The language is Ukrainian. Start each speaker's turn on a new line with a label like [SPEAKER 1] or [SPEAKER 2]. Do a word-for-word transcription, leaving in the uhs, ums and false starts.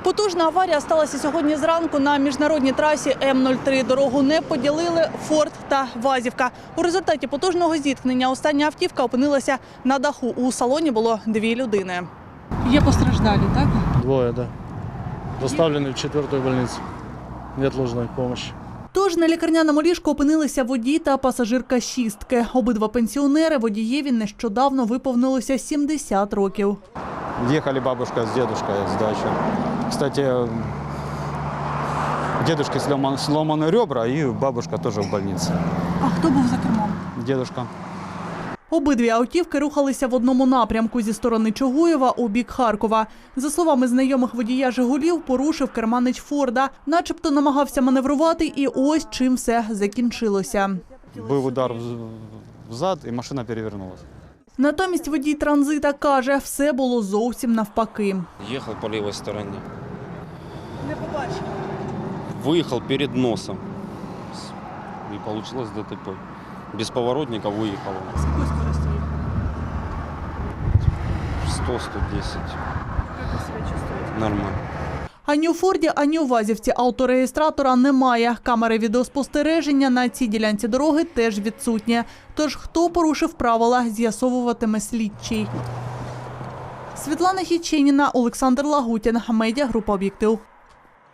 [SPEAKER 1] Потужна аварія сталася сьогодні зранку на міжнародній трасі М нуль три. Дорогу не поділили «Форд» та «Вазівка». У результаті потужного зіткнення остання автівка опинилася на даху. У салоні було дві людини.
[SPEAKER 2] Є постраждалі, так?
[SPEAKER 3] Двое, да. Доставлены в четвертую больницу. Неотложной помощи.
[SPEAKER 1] Тож на лікарняному ліжку опинилися водій та пасажирка «шістки». Обидва пенсіонери, водієві нещодавно виповнилося сімдесят років.
[SPEAKER 4] Ехали бабушка с дедушкой с дачи. Кстати, дедушке сломан- сломаны ребра, и бабушка тоже в больнице.
[SPEAKER 2] А хто був за кермом?
[SPEAKER 4] Дедушка.
[SPEAKER 1] Обидві автівки рухалися в одному напрямку зі сторони Чугуєва у бік Харкова. За словами знайомих водія «Жигулів», порушив керманич «Форда». Начебто намагався маневрувати, і ось чим все закінчилося.
[SPEAKER 4] Був удар в- взад, і машина перевернулась.
[SPEAKER 1] Натомість водій «Транзита» каже, все було зовсім навпаки.
[SPEAKER 5] Ехал по левой стороне.
[SPEAKER 1] Не побачив.
[SPEAKER 5] Выехал перед носом. И получилось ДТП. Без поворотника выехал.
[SPEAKER 1] З якою скоростю їхав?
[SPEAKER 5] сто сто десять.
[SPEAKER 1] Як ви себе чувствуєте?
[SPEAKER 5] Нормально.
[SPEAKER 1] Ані у «Форді», ані у «Вазівці» автореєстратора немає. Камери відеоспостереження на цій ділянці дороги теж відсутні. Тож хто порушив правила, з'ясовуватиме слідчий. Світлана Хіченіна, Олександр Лагутін, медіагрупа «Об'єктив».